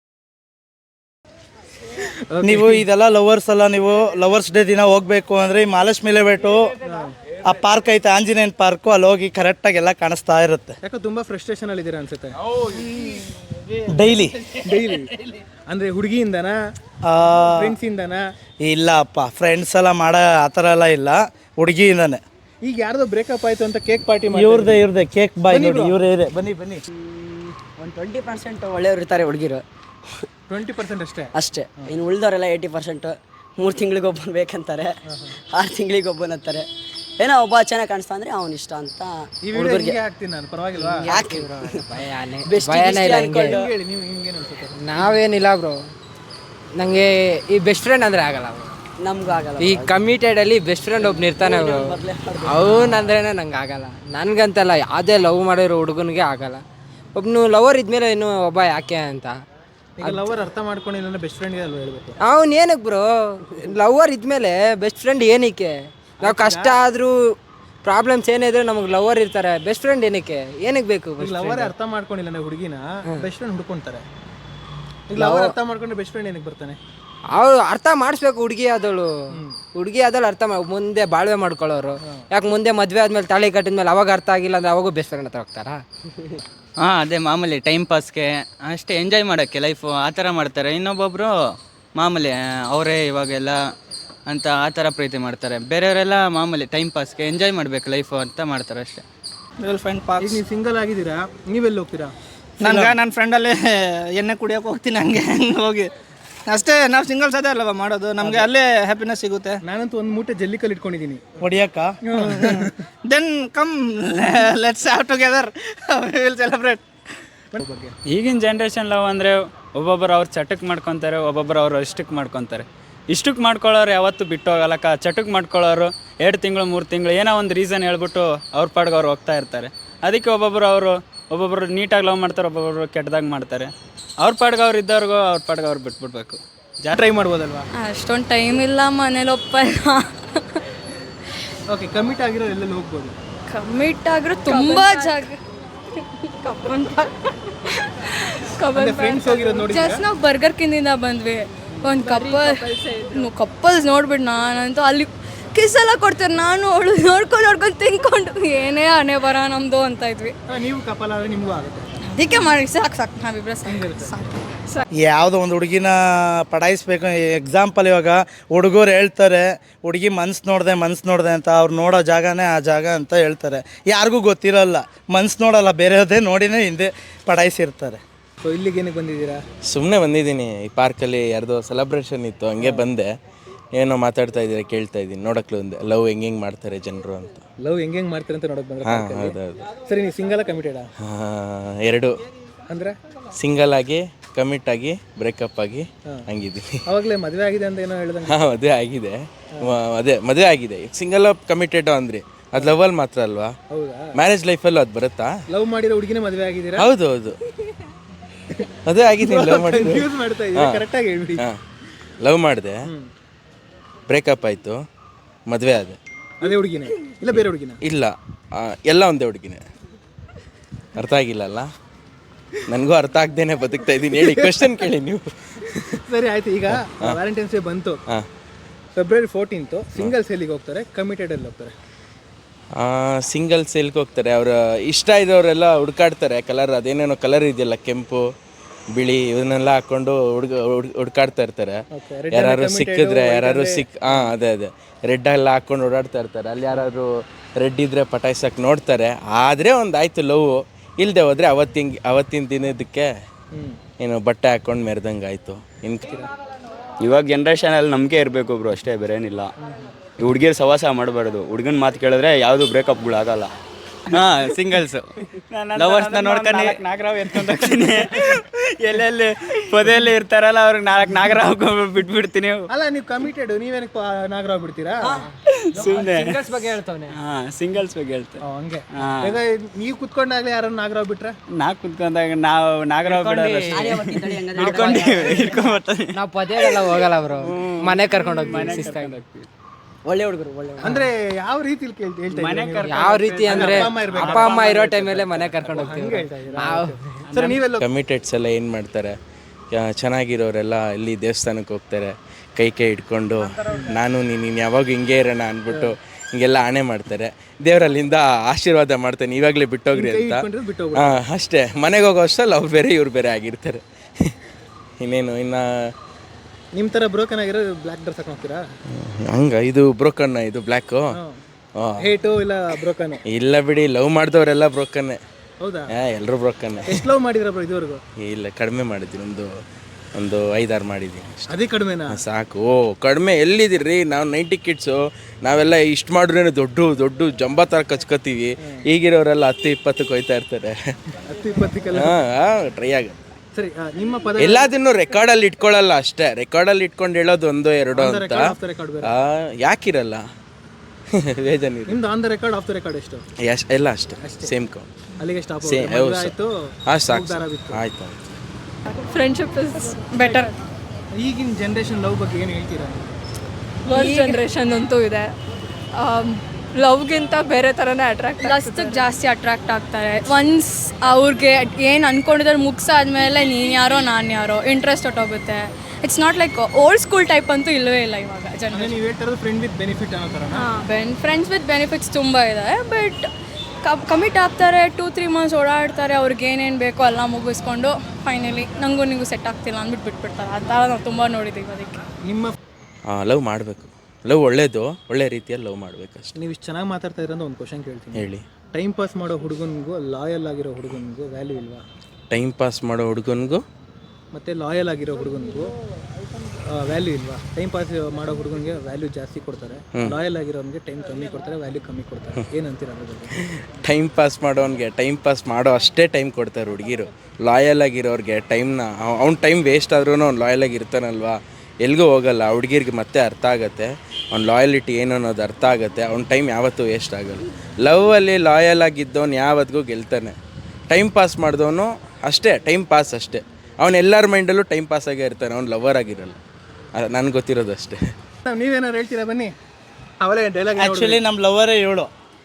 Speaker 10: ನೀವು ಇದೆಲ್ಲ ಲವರ್ಸ್ ಅಲ್ಲ, ನೀವು ಲವರ್ಸ್ ಡೇ ದಿನ ಹೋಗ್ಬೇಕು ಅಂದರೆ ಈ ಮಹಾಲಕ್ಷ್ಮಿ ಲೇಔಟು ಆ ಪಾರ್ಕ್ ಐತೆ, ಆಂಜನೇಯನ್ ಪಾರ್ಕು, ಅಲ್ಲಿ ಹೋಗಿ ಕರೆಕ್ಟಾಗಿ ಎಲ್ಲ ಕಾಣಿಸ್ತಾ ಇರುತ್ತೆ.
Speaker 1: ಯಾಕೋ ತುಂಬಾ ಫ್ರಸ್ಟ್ರೇಷನ್ ಅಲ್ಲಿ ಇದ್ದೀರಾ ಅನ್ಸುತ್ತೆ.
Speaker 10: ಡೈಲಿ
Speaker 1: ಡೈಲಿ ಅಂದ್ರೆ ಹುಡುಗಿಯಿಂದನಾ ಫ್ರೆಂಡ್ಸ್ ಇಂದನಾ?
Speaker 10: ಇಲ್ಲ ಅಪ್ಪ, ಫ್ರೆಂಡ್ಸ್ ಎಲ್ಲ ಮಾಡೋ ಆ ಥರ ಎಲ್ಲ ಇಲ್ಲ, ಹುಡುಗಿಯಿಂದಾನೆ.
Speaker 1: ಈಗ ಯಾರ್ದೋ ಬ್ರೇಕಪ್ ಆಯ್ತು ಅಂತ ಕೇಕ್ ಪಾರ್ಟಿ
Speaker 10: ಇವ್ರದೇ ಇವ್ರದೇ ಕೇಕ್ ಬಾಯ್ ನೋಡಿ, ಇವರೇ ಇದೆ. ಬನ್ನಿ ಬನ್ನಿ.
Speaker 9: ಒಂದು ಟ್ವೆಂಟಿ ಪರ್ಸೆಂಟ್ ಒಳ್ಳೆಯವ್ರು ಇರ್ತಾರೆ ಹುಡುಗಿರು,
Speaker 1: ಟ್ವೆಂಟಿ ಪರ್ಸೆಂಟ್ ಅಷ್ಟೇ
Speaker 9: ಅಷ್ಟೇ. ಇನ್ನು ಉಳಿದವರೆಲ್ಲ ಏಯ್ಟಿ ಪರ್ಸೆಂಟ್ ಮೂರು ತಿಂಗಳಿಗೆ ಒಬ್ಬನು ಬೇಕಂತಾರೆ, ಆರು ತಿಂಗಳಿಗೆ ಒಬ್ಬನ ಅಂತಾರೆ. ಏನೋ ಒಬ್ಬ ಚೆನ್ನಾಗಿ ಕಾಣಿಸ್ತಾ ಅಂದರೆ ಅವನು ಇಷ್ಟ ಅಂತ
Speaker 1: ಈ ವಿಡಿಯೋ ಹಿಂಗೆ ಹಾಕ್ತೀನಿ ನಾನು, ಪರವಾಗಿಲ್ವಾ?
Speaker 9: ಯಾಕೆ
Speaker 7: ಭಯನೇ
Speaker 9: Best
Speaker 7: ಭಯನೇ ಇಲ್ಲ.
Speaker 9: ಇಷ್ಟ
Speaker 7: ಹಿಂಗೆ
Speaker 1: ಹಿಂಗೆ ಹೇಳಿ, ನೀವು ಹಿಂಗೇನು ಅನ್ಸುತ್ತೆ?
Speaker 7: ನಾವೇನಿಲ್ಲ ಬ್ರೋ, ನನಗೆ ಈ ಬೆಸ್ಟ್ ಫ್ರೆಂಡ್ ಅಂದರೆ ಆಗಲ್ಲ bro.
Speaker 9: ನಮಗೂ ಆಗಲ್ಲ.
Speaker 7: ಈ ಕಮಿಟೆಡಲ್ಲಿ ಬೆಸ್ಟ್ ಫ್ರೆಂಡ್ ಒಬ್ನು ಇರ್ತಾನೆ ಅವರು, ಅವನಂದ್ರೇ ನಂಗೆ ಆಗಲ್ಲ. ನನಗಂತಲ್ಲ, ಯಾವುದೇ ಲವ್ ಮಾಡಿರೋ ಹುಡುಗನಿಗೆ ಆಗಲ್ಲ. ಒಬ್ಬನು ಲವರ್ ಇದ್ಮೇಲೆ ಇನ್ನು ಒಬ್ಬ ಯಾಕೆ ಅಂತ.
Speaker 1: ಈಗ ಲವರ್ ಅರ್ಥ ಮಾಡ್ಕೊಂಡಿಲ್ಲ ಅಂದ್ರೆ ಬೆಸ್ಟ್ ಫ್ರೆಂಡ್ಗೆ ಅಲ್ವಾ ಹೇಳ್ಬೇಕು?
Speaker 7: ಅವ್ನು ಏನಕ್ಕೆ ಬ್ರೋ, ಲವರ್ ಇದ್ಮೇಲೆ ಬೆಸ್ಟ್ ಫ್ರೆಂಡ್ ಏನಕ್ಕೆ? ನಾವು ಕಷ್ಟ ಆದರೂ ಪ್ರಾಬ್ಲಮ್ಸ್ ಏನೇ ಇದ್ರೆ ನಮಗೆ ಲವರ್ ಇರ್ತಾರೆ, ಬೆಸ್ಟ್ ಫ್ರೆಂಡ್ ಏನಕ್ಕೆ ಏನಕ್ಕೆ ಬೇಕು?
Speaker 1: ಈಗ ಲವರ್ ಅರ್ಥ ಮಾಡ್ಕೊಂಡಿಲ್ಲ ಅಂದ್ರೆ ಹುಡುಗಿನ ಬೆಸ್ಟ್ ಫ್ರೆಂಡ್ ಹುಡ್ಕೊಂತಾರೆ. ಈಗ ಲವರ್ ಅರ್ಥ ಮಾಡ್ಕೊಂಡ್ರೆ ಬೆಸ್ಟ್ ಫ್ರೆಂಡ್ ಏನಕ್ಕೆ ಬರ್ತಾನೆ?
Speaker 7: ಅವ್ರು ಅರ್ಥ ಮಾಡಿಸ್ಬೇಕು. ಹುಡುಗಿ ಆದವಳು ಹುಡುಗಿ ಆದವಳು ಅರ್ಥ ಮಾಡಿ ಮುಂದೆ ಬಾಳ್ವೆ ಮಾಡ್ಕೊಳ್ಳೋರು. ಯಾಕೆ ಮುಂದೆ ಮದುವೆ ಆದ್ಮೇಲೆ ತಾಳಿ ಕಟ್ಟಿದ್ಮೇಲೆ ಅವಾಗ ಅರ್ಥ ಆಗಿಲ್ಲ ಅಂದ್ರೆ ಅವಾಗೂ ಬೆಸ್ಟ್ ಫ್ರೆಂಡ್ ಹತ್ರ ಹೋಗ್ತಾರಾ?
Speaker 8: ಹಾಂ, ಅದೇ ಮಾಮೂಲಿ ಟೈಮ್ ಪಾಸ್ಗೆ ಅಷ್ಟೇ, ಎಂಜಾಯ್ ಮಾಡೋಕ್ಕೆ ಲೈಫು ಆ ಥರ ಮಾಡ್ತಾರೆ. ಇನ್ನೊಬ್ಬೊಬ್ಬರು ಮಾಮೂಲಿ ಅವರೇ ಇವಾಗೆಲ್ಲ ಅಂತ ಆ ಥರ ಪ್ರೀತಿ ಮಾಡ್ತಾರೆ. ಬೇರೆಯವರೆಲ್ಲ ಮಾಮೂಲಿ ಟೈಮ್ ಪಾಸ್ಗೆ ಎಂಜಾಯ್ ಮಾಡಬೇಕು ಲೈಫು ಅಂತ ಮಾಡ್ತಾರೆ ಅಷ್ಟೇ.
Speaker 4: Girlfriend pass.
Speaker 1: ಈಗ ನೀವು ಸಿಂಗಲ್ ಆಗಿದ್ದೀರಾ, ನೀವೆಲ್ಲಿ ಹೋಗ್ತೀರಾ?
Speaker 4: ನನಗೆ ನನ್ನ ಫ್ರೆಂಡಲ್ಲೇ ಎಣ್ಣೆ ಕುಡಿಯೋಕೆ ಹೋಗ್ತೀನಿ, ಹಂಗೆ ಹಂಗೆ ಹೋಗಿ ಅಷ್ಟೇ. ನಾವು ಸಿಂಗಲ್ಸ್ ಅದೇ ಅಲ್ಲವ ಮಾಡೋದು, ನಮಗೆ ಅಲ್ಲೇ ಹ್ಯಾಪಿನೆಸ್ ಸಿಗುತ್ತೆ.
Speaker 1: ನಾನಂತೂ ಒಂದು ಮೂಟೆ ಜಲ್ಲಿಕಲ್ಲಿ ಇಟ್ಕೊಂಡಿದ್ದೀನಿ
Speaker 10: ಹೊಡಿಯಕ್ಕ.
Speaker 4: Then come let's have together, will celebrate.
Speaker 5: ಈಗಿನ ಜನ್ರೇಷನ್ ಲವ್ ಅಂದರೆ ಒಬ್ಬೊಬ್ಬರು ಅವ್ರು ಚಟಕ್ಕೆ ಮಾಡ್ಕೊತಾರೆ, ಒಬ್ಬೊಬ್ಬರು ಅವ್ರು ಇಷ್ಟಕ್ಕೆ ಮಾಡ್ಕೊತಾರೆ. ಇಷ್ಟಕ್ಕೆ ಮಾಡ್ಕೊಳ್ಳೋರು ಯಾವತ್ತೂ ಬಿಟ್ಟು ಹೋಗಲ್ಲಕ್ಕ. ಚಟಕ್ಕೆ ಮಾಡ್ಕೊಳ್ಳೋರು ಎರಡು ತಿಂಗಳು ಮೂರು ತಿಂಗಳು ಏನೋ ಒಂದು ರೀಸನ್ ಹೇಳ್ಬಿಟ್ಟು ಅವ್ರ ಪಾಡ್ಗೆ ಅವ್ರು ಹೋಗ್ತಾ ಇರ್ತಾರೆ. ಅದಕ್ಕೆ ಒಬ್ಬೊಬ್ಬರು ಅವರು ಒಬ್ಬೊಬ್ಬರು ನೀಟಾಗಿ ಲವ್ ಮಾಡ್ತಾರೆ, ಒಬ್ಬೊಬ್ಬರು ಕೆಟ್ಟದಾಗಿ ಮಾಡ್ತಾರೆ. ಅವ್ರ ಪಾಡ್ಗೆ ಅವ್ರು ಇದ್ದವ್ರಿಗೂ ಅವ್ರ ಪಾಡ್ಗೆ ಅವ್ರು ಬಿಟ್ಬಿಡ್ಬೇಕು.
Speaker 1: ಜಾ ಟ್ರೈ ಮಾಡ್ಬೋದಲ್ವಾ?
Speaker 3: ಅಷ್ಟೊಂದು ಟೈಮ್ ಇಲ್ಲ, ಮನೇಲಿ ಒಪ್ಪಲ್ಲ.
Speaker 1: ಓಕೆ, ಕಮಿಟ್ ಆಗಿರೋ ಎಲ್ಲೆಲ್ಲಿ ಹೋಗ್ಬೋದು?
Speaker 3: ಕಮಿಟ್ ಆಗಿರೋ ತುಂಬ ಜಾಗ.
Speaker 1: ಫ್ರೆಂಡ್ಸ್ ಹೋಗಿರೋದು ನೋಡಿ.
Speaker 3: ಜಸ್ಟ್ ನಾವು ಬರ್ಗರ್ ಕಿಂದಿಂದ ಬಂದ್ವಿ. ಒಂದು ಕಪ್ಪಲ್ ಕಪ್ಪಲ್ಸ್ ನೋಡ್ಬಿಟ್ಟು ನಾನಂತೂ ಅಲ್ಲಿ ಕಿಸ್ ಎಲ್ಲ ಕೊಡ್ತಾರೆ. ನಾನು ಅವಳು ನೋಡ್ಕೊಂಡು ನೋಡ್ಕೊಂಡು ತಿನ್ಕೊಂಡು ಏನೇ ಹಣೆ ಬರ ನಮ್ಮದು ಅಂತ ಇದ್ವಿ.
Speaker 1: ನೀವು ಕಪಲ್ ಆದರೆ ನಿಮಗೂ ಆಗುತ್ತೆ.
Speaker 3: ಅದಕ್ಕೆ ಮಾಡಿ ಸಾಕು ಸಾಕು ನಾವಿಬ್ಬರ ಸಾಕು.
Speaker 10: ಯಾವುದೋ ಒಂದು ಹುಡುಗಿನ ಪಡಾಯಿಸ್ಬೇಕು. ಎಕ್ಸಾಂಪಲ್ ಇವಾಗ ಹುಡುಗರು ಹೇಳ್ತಾರೆ ಹುಡುಗಿ ಮನ್ಸು ನೋಡಿದೆ ಮನ್ಸು ನೋಡಿದೆ ಅಂತ, ಅವ್ರು ನೋಡೋ ಜಾಗನೇ ಆ ಜಾಗ ಅಂತ ಹೇಳ್ತಾರೆ. ಯಾರಿಗೂ ಗೊತ್ತಿರೋಲ್ಲ, ಮನ್ಸು ನೋಡೋಲ್ಲ, ಬೇರೆಯದೇ ನೋಡಿನೇ ಹಿಂದೆ ಪಡಾಯಿಸಿರ್ತಾರೆ.
Speaker 1: ಸೊ ಇಲ್ಲಿಗೆ ಏನಕ್ಕೆ ಬಂದಿದ್ದೀರಾ?
Speaker 11: ಸುಮ್ಮನೆ ಬಂದಿದ್ದೀನಿ. ಈ ಪಾರ್ಕಲ್ಲಿ ಯಾರ್ದೋ ಸೆಲೆಬ್ರೇಷನ್ ಇತ್ತು, ಹಂಗೆ ಬಂದೆ. ಏನೋ ಮಾತಾಡ್ತಾ ಇದ್ದೀರಾ ಕೇಳ್ತಾ ಇದ್ದೀನಿ, ನೋಡೋಕ್ಕೆ ಒಂದು ಲವ್ ಹೆಂಗೆ ಹೆಂಗೆ ಮಾಡ್ತಾರೆ ಜನರು ಅಂತ.
Speaker 1: ಲವ್ ಹೆಂಗೆ ಹೆಂಗೆ ಮಾಡ್ತಾರೆ ಅಂತ ನೋಡೋಕೆ ಬಂದ್ರೆ?
Speaker 11: ಹಾಂ, ಹೌದೌದು.
Speaker 1: ಸರಿ, ನೀವು ಸಿಂಗಲ್ ಕಮಿಟೆಡಾ?
Speaker 11: ಎರಡು
Speaker 1: ಅಂದರೆ
Speaker 11: ಸಿಂಗಲ್ ಆಗಿ ಕಮಿಟ್ ಆಗಿ ಬ್ರೇಕಪ್ ಆಗಿ ಹಂಗಿದ್ದೀನಿ.
Speaker 1: ಅವಾಗಲೇ ಮದುವೆ ಆಗಿದೆ ಅಂತ ಏನೋ ಹೇಳ್ದಂಗೆ.
Speaker 11: ಹಾಂ ಮದುವೆ ಆಗಿದೆ, ಮ- ಅದೇ ಮದುವೆ ಆಗಿದೆ. ಸಿಂಗಲ್ ಕಮಿಟೆಡ್ ಅಂದ್ರಿ, ಅದು ಲವಲ್ಲಿ ಮಾತ್ರ ಅಲ್ವಾ?
Speaker 1: ಹೌದಾ?
Speaker 11: ಮ್ಯಾರೇಜ್ ಲೈಫಲ್ಲೂ ಅದು ಬರುತ್ತಾ?
Speaker 1: ಲವ್ ಮಾಡಿರೋ ಹುಡುಗಿನೇ ಮದುವೆ ಆಗಿದ್ದೀರಾ?
Speaker 11: ಹೌದು ಹೌದು ಮದುವೆ ಆಗಿದ್ದೀನಿ, ಲವ್ ಮಾಡಿ.
Speaker 1: ಯೂಸ್ ಮಾಡ್ತಾ ಇದ್ದೀರಾ, ಕರೆಕ್ಟಾಗಿ ಹೇಳ್ಬಿಡಿ.
Speaker 11: ಹಾಂ ಲವ್ ಮಾಡಿದೆ, ಬ್ರೇಕಪ್ ಆಯಿತು, ಮದುವೆ ಆದೆ.
Speaker 1: ಅದೇ ಹುಡುಗಿನೇ ಇಲ್ಲ ಬೇರೆ ಹುಡುಗಿನ?
Speaker 11: ಇಲ್ಲ, ಆ, ಎಲ್ಲ ಒಂದೇ ಹುಡುಗಿನೇ. ಅರ್ಥ ಆಗಿಲ್ಲಲ್ಲ? ನನಗೂ ಅರ್ಥ ಆಗ್ದೇನೆ ಬದುಕ್ತಾ ಇದ್ದೀನಿ. ಹೇಳಿ, ಕ್ವೆಶನ್ ಕೇಳಿ ನೀವು.
Speaker 1: ಸರಿ ಆಯ್ತು. ಈಗ ವ್ಯಾಲೆಂಟೈನ್ಸ್ ಡೇ ಬಂತು,
Speaker 11: ಹಾಂ
Speaker 1: ಫೆಬ್ರವರಿ ಫೋರ್ಟೀನ್ತು. ಸಿಂಗಲ್ ಸೇಲಿಗೆ ಹೋಗ್ತಾರೆ, ಕಮಿಟೆಡ್ ಅಲ್ಲಿ ಹೋಗ್ತಾರೆ?
Speaker 11: ಸಿಂಗಲ್ ಸೇಲ್ಗೆ ಹೋಗ್ತಾರೆ. ಅವ್ರ ಇಷ್ಟ ಇದ್ದವರೆಲ್ಲ ಹುಡ್ಕಾಡ್ತಾರೆ ಕಲರ್, ಅದೇನೇನೋ ಕಲರ್ ಇದೆಯಲ್ಲ, ಕೆಂಪು ಬಿಳಿ ಇವನ್ನೆಲ್ಲ ಹಾಕ್ಕೊಂಡು ಹುಡ್ಗ ಹುಡ್- ಹುಡ್ಕಾಡ್ತಾ ಇರ್ತಾರೆ. ಯಾರು ಸಿಕ್ಕಿದ್ರೆ ಯಾರು ಸಿಕ್ ಹಾಂ ಅದೇ ಅದೇ ರೆಡ್ ಎಲ್ಲ ಹಾಕ್ಕೊಂಡು ಓಡಾಡ್ತಾ ಇರ್ತಾರೆ. ಅಲ್ಲಿ ಯಾರು ರೆಡ್ ಇದ್ರೆ ಪಟಾಯಿಸಕ್ಕೆ ನೋಡ್ತಾರೆ. ಆದರೆ ಒಂದು ಆಯಿತು ಲವ್, ಇಲ್ಲದೆ ಹೋದರೆ ಅವತ್ತಿನ ಅವತ್ತಿನ ದಿನದಕ್ಕೆ ಏನು ಬಟ್ಟೆ ಹಾಕ್ಕೊಂಡು ಮೆರೆದಂಗೆ ಆಯಿತು. ಇನ್
Speaker 6: ಇವಾಗ ಜನ್ರೇಷನಲ್ಲಿ ನಂಬಿಕೆ ಇರಬೇಕು ಬ್ರೋ, ಅಷ್ಟೇ, ಬೇರೆ ಏನಿಲ್ಲ. ಈ ಹುಡುಗಿರು ಸವಾಸ ಮಾಡಬಾರ್ದು. ಹುಡುಗನ ಮಾತು ಕೇಳಿದ್ರೆ ಯಾವುದು ಬ್ರೇಕಪ್ಗಳು ಆಗಲ್ಲ.
Speaker 8: ಹಾಂ ಸಿಂಗಲ್ಸು ಲವರ್ಸ್ನ ನೋಡ್ಕೊಂಡು
Speaker 5: ನಾಗರಾವ್ ಎತ್ಕೊಂಡು ಹೋಗ್ತೀನಿ. ಎಲ್ಲೆಲ್ಲಿ ಪೊದೆಯಲ್ಲಿ ಇರ್ತಾರಲ್ಲ ಅವ್ರಿಗೆ ನಾಲ್ಕು ನಾಗರಾವ್ ಬಿಟ್ಬಿಡ್ತೀನಿ.
Speaker 1: ಅಲ್ಲ, ನೀವು ಕಮಿಟೆಡ್, ನೀವೇನಕ್ಕೆ ನಾಗರಾವ್ ಬಿಡ್ತೀರಾ?
Speaker 5: ಸುಮ್ಮನೆ
Speaker 7: ಸಿಂಗಲ್ಸ್ ಬಗ್ಗೆ ಹೇಳ್ತವನೆ.
Speaker 5: ಹಾಂ ಸಿಂಗಲ್ಸ್ ಬಗ್ಗೆ ಹೇಳ್ತೇವೆ.
Speaker 1: ಓ, ಹಂಗೆ. ಈಗ ನೀವು ಕುತ್ಕೊಂಡಾಗ್ಲೇ ಯಾರನ್ನ ನಾಗರಾವ್ ಬಿಟ್ರೆ?
Speaker 5: ನಾ ಕುತ್ಕೊಂಡಾಗ ನಾವು ನಾಗರಾವ್ ಬಿಡೋಲ್ಲ, ಹಿಡ್ಕೊಂಡು ಹಿಡ್ಕೊಂಡು ಬರ್ತಾನೆ.
Speaker 7: ನಾವು ಪದೇಲ್ಲ ಹೋಗಲ್ಲ ಬ್ರೋ, ಮನೆ ಕರ್ಕೊಂಡು ಹೋಗ್ತೀವಿ ಶಿಸ್ತಾಗಿ.
Speaker 9: ಒಳ್ಳೆ ಹುಡುಗರು, ಒಳ್ಳೆ ಹುಡುಗರು.
Speaker 1: ಅಂದ್ರೆ ಯಾವ ರೀತಿಲಿ ಕೇಳ್ತಾ ಹೇಳ್ತಾ ಇದ್ದೀರಾ ನೀವು?
Speaker 7: ಯಾವ ರೀತಿ ಅಂದ್ರೆ
Speaker 1: ಅಪ್ಪ ಅಮ್ಮ ಇರ್ಬೇಕು.
Speaker 7: ಅಪ್ಪ ಅಮ್ಮ ಇರೋ ಟೈಮಲ್ಲೇ ಮನೆ ಕರ್ಕೊಂಡು ಹೋಗ್ತೀವಿ ನಾವು.
Speaker 1: ಸರ್ ನೀವೆಲ್ಲ
Speaker 11: ಕಮಿಟೆಡ್ಸ್ ಎಲ್ಲ ಏನು ಮಾಡ್ತಾರೆ, ಯಾ- ಚೆನ್ನಾಗಿರೋರೆಲ್ಲ ಇಲ್ಲಿ ದೇವಸ್ಥಾನಕ್ಕೆ ಹೋಗ್ತಾರೆ, ಕೈ ಕೈ ಹಿಡ್ಕೊಂಡು ನಾನು ನೀನು ನೀನು ಯಾವಾಗ ಹಿಂಗೆ ಇರೋಣ ಅಂದ್ಬಿಟ್ಟು ಹಿಂಗೆಲ್ಲ ಆಣೆ ಮಾಡ್ತಾರೆ. ದೇವರಲ್ಲಿಂದ ಆಶೀರ್ವಾದ ಮಾಡ್ತಾನೆ, ಇವಾಗಲೇ ಬಿಟ್ಟೋಗ್ರಿ ಅಂತ. ಹಾಂ ಅಷ್ಟೇ. ಮನೆಗೆ ಹೋಗೋ ಅಷ್ಟಲ್ಲಿ ಅವ್ರು ಬೇರೆ ಇವ್ರು ಬೇರೆ ಆಗಿರ್ತಾರೆ. ಇನ್ನೇನು ಇನ್ನು
Speaker 1: ನಿಮ್ಮ ಥರ ಬ್ರೋಕನ್ ಆಗಿರೋ ಬ್ಲ್ಯಾಕ್ ಡ್ರೆಸ್ ಹಾಕೊಂಡು ಹೋಗ್ತೀರಾ?
Speaker 11: ಹಂಗ ಇದು ಬ್ರೋಕನ್ನ, ಇದು ಬ್ಲ್ಯಾಕು. ಹಾಂ
Speaker 1: ಹೇಟು ಇಲ್ಲ ಬ್ರೋಕನ್?
Speaker 11: ಇಲ್ಲ ಬಿಡಿ, ಲವ್ ಮಾಡಿದವರೆಲ್ಲ ಬ್ರೋಕನ್ನೇ.
Speaker 1: ಹೌದಾ?
Speaker 11: ಹಾಂ ಎಲ್ಲರೂ ಬ್ರೋಕನ್ನೇ.
Speaker 1: ಎಷ್ಟು ಲವ್ ಮಾಡಿದ್ರ ಬ್ರೋ ಇದುವರೆಗೂ?
Speaker 11: ಇಲ್ಲ ಕಡಿಮೆ ಮಾಡಿದ್ದೀನಿ, ಒಂದು ಒಂದು ಐದಾರು ಮಾಡಿದ್ದೀನಿ ಅಷ್ಟೇ.
Speaker 1: ಅದೇ ಕಡಿಮೆನಾ?
Speaker 11: ಸಾಕು. ಓ ಕಡಿಮೆ ಎಲ್ಲಿದ್ದೀರಿ? ನಾವು ನೈಂಟಿ ಕಿಡ್ಸು, ನಾವೆಲ್ಲ ಇಷ್ಟು ಮಾಡಿದ್ರೇನೆ ದೊಡ್ಡ ದೊಡ್ಡ ಜಂಬ ಥರ ಕಚ್ಕೋತೀವಿ. ಈಗಿರೋರೆಲ್ಲ ಹತ್ತು ಇಪ್ಪತ್ತಕ್ಕೆ ಹೋಯ್ತಾ ಇರ್ತಾರೆ.
Speaker 1: ಹತ್ತು ಇಪ್ಪತ್ತಕ್ಕೆಲ್ಲ?
Speaker 11: ಹಾಂ ಹಾಂ ಟ್ರೈ ಆಗುತ್ತೆ.
Speaker 1: ಸರಿ, ಆ, ನಿಮ್ಮ ಪದ
Speaker 11: ಎಲ್ಲದನ್ನು ರೆಕಾರ್ಡಲ್ಲಿ ಇಟ್ಕೊಳ್ಳಲ್ಲ ಅಷ್ಟೇ. ರೆಕಾರ್ಡಲ್ಲಿ ಇಟ್ಕೊಂಡು ಹೇಳೋದು ಒಂದು ಎರಡು ಅಂತ. ಆ, ಯಾಕಿರಲ್ಲ? ವೇದನೆ
Speaker 1: ನಿಮ್ದು on the record, off the record ಎಷ್ಟು?
Speaker 11: ಎಸ್ ಎಲ್ಲ ಅಷ್ಟೇ, ಸೇಮ್ ಕೌ
Speaker 1: ಅಲ್ಲಿಗೆ ಸ್ಟಾಪ್
Speaker 11: ಸೇಮ್.
Speaker 1: ಆಯ್ತು.
Speaker 11: ಹಾಂ ಸಾಕು, ಆಯ್ತು ಆಯ್ತು.
Speaker 3: Friendship is better.
Speaker 1: ಈಗಿನ ಜನ್ರೇಷನ್ ಲವ್ ಬಗ್ಗೆ ಏನು ಹೇಳ್ತೀರಾ?
Speaker 2: ವರ್ಸ್ಟ್ ಜನ್ರೇಷನ್ ಅಂತೂ ಇದೆ. ಲವ್ಗಿಂತ ಬೇರೆ ಥರನೇ ಅಟ್ರಾಕ್ಟ್
Speaker 3: ಲಸ್ಟಿಗೆ ಜಾಸ್ತಿ ಅಟ್ರಾಕ್ಟ್ ಆಗ್ತಾರೆ. ಒನ್ಸ್ ಅವ್ರಿಗೆ ಏನು ಅಂದ್ಕೊಂಡಿದ್ರೆ ಮುಗಿಸಾದ್ಮೇಲೆ ನೀನು ಯಾರೋ ನಾನು ಯಾರೋ ಇಂಟ್ರೆಸ್ಟ್ ಹೊಟ್ಟೋಗುತ್ತೆ. It's not like old school type ಅಂತೂ ಇಲ್ಲವೇ ಇಲ್ಲ ಇವಾಗ ಜನ.
Speaker 1: ನೀವು ಹೇಳ್ತಾರೋದು ಫ್ರೆಂಡ್ ವಿತ್ ಬೆನಿಫಿಟ್ ಅನ್ನೋ ಥರ?
Speaker 3: ಹಾಂ, ಬೆನ್ ಫ್ರೆಂಡ್ಸ್ ವಿತ್ ಬೆನಿಫಿಟ್ಸ್ ತುಂಬ ಇದೆ. ಬಟ್ ಕಮಿಟ್ ಆಗ್ತಾರೆ, ಟೂ ತ್ರೀ ಮಂತ್ಸ್ ಓಡಾಡ್ತಾರೆ, ಅವ್ರಿಗೆ ಏನೇನು ಬೇಕೋ ಎಲ್ಲ ಮುಗಿಸ್ಕೊಂಡು ಫೈನಲಿ ನನಗೂ ನಿಂಗೂ ಸೆಟ್ ಆಗ್ತಿಲ್ಲ ಅಂದ್ಬಿಟ್ಟು ಬಿಟ್ಬಿಡ್ತಾರೆ. ಆ ಥರ ನಾವು ತುಂಬ ನೋಡಿದ್ದೀವಿ. ಅದಕ್ಕೆ
Speaker 1: ನಿಮ್ಮ
Speaker 11: ಲವ್ ಮಾಡಬೇಕು. ಲವ್ ಒಳ್ಳೇದು, ಒಳ್ಳೆ ರೀತಿಯಲ್ಲಿ ಲವ್ ಮಾಡಬೇಕಷ್ಟೆ.
Speaker 1: ನೀವು ಇಷ್ಟು ಚೆನ್ನಾಗಿ ಮಾತಾಡ್ತಾ ಇರೋ ಒಂದು ಕ್ವಶನ್ ಕೇಳ್ತೀನಿ.
Speaker 11: ಹೇಳಿ.
Speaker 1: ಟೈಮ್ ಪಾಸ್ ಮಾಡೋ ಹುಡುಗನಿಗೂ ಲಾಯಲ್ ಆಗಿರೋ ಹುಡುಗನಿಗೂ ವ್ಯಾಲ್ಯೂ ಇಲ್ವಾ?
Speaker 11: ಟೈಮ್ ಪಾಸ್ ಮಾಡೋ ಹುಡುಗನಿಗೂ
Speaker 1: ಮತ್ತು ಲಾಯಲ್ ಆಗಿರೋ ಹುಡುಗನಿಗೂ ವ್ಯಾಲ್ಯೂ ಇಲ್ವಾ? ಟೈಮ್ ಪಾಸ್ ಮಾಡೋ ಹುಡುಗನಿಗೆ ವ್ಯಾಲ್ಯೂ ಜಾಸ್ತಿ ಕೊಡ್ತಾರೆ, ಲಾಯಲ್ ಆಗಿರೋನಿಗೆ ಟೈಮ್ ಕಮ್ಮಿ ಕೊಡ್ತಾರೆ, ವ್ಯಾಲ್ಯೂ ಕಮ್ಮಿ ಕೊಡ್ತಾರೆ. ಏನಂತೀರ ಅದ್ರ ಬಗ್ಗೆ?
Speaker 11: ಟೈಮ್ ಪಾಸ್ ಮಾಡೋನಿಗೆ ಟೈಮ್ ಪಾಸ್ ಮಾಡೋ ಅಷ್ಟೇ ಟೈಮ್ ಕೊಡ್ತಾರೆ ಹುಡುಗಿರು. ಲಾಯಲ್ ಆಗಿರೋರಿಗೆ ಟೈಮ್ನ, ಅವ್ನ ಟೈಮ್ ವೇಸ್ಟ್ ಆದ್ರೂ ಅವ್ನು ಲಾಯಲ್ ಆಗಿರ್ತಾನಲ್ವಾ, ಎಲ್ಲಿಗೂ ಹೋಗಲ್ಲ. ಹುಡುಗಿರಿಗೆ ಮತ್ತೆ ಅರ್ಥ ಆಗುತ್ತೆ ಅವ್ನ ಲಾಯಲಿಟಿ ಏನು ಅನ್ನೋದು ಅರ್ಥ ಆಗುತ್ತೆ. ಅವ್ನ ಟೈಮ್ ಯಾವತ್ತೂ ವೇಸ್ಟ್ ಆಗಲ್ಲ. ಲವ್ವಲ್ಲಿ ಲಾಯಲ್ ಆಗಿದ್ದವನು ಯಾವತ್ತಿಗೂ ಗೆಲ್ತಾನೆ. ಟೈಮ್ ಪಾಸ್ ಮಾಡಿದವನು ಅಷ್ಟೇ, ಟೈಮ್ ಪಾಸ್ ಅಷ್ಟೇ. ಅವ್ನು ಎಲ್ಲರ ಮೈಂಡಲ್ಲೂ ಟೈಮ್ ಪಾಸ್ ಆಗೇ ಇರ್ತಾನೆ, ಅವ್ನು ಲವರ್ ಆಗಿರಲ್ಲ. ನನಗೆ ಗೊತ್ತಿರೋದು ಅಷ್ಟೇ.
Speaker 1: ನೀವೇನಾರು ಹೇಳ್ತೀರಾ? ಬನ್ನಿ. ಅವಲೇ ಡೈಲಾಗ್.
Speaker 4: ಆ್ಯಕ್ಚುಲಿ ನಮ್ಮ ಲವರೇ ಏಳು.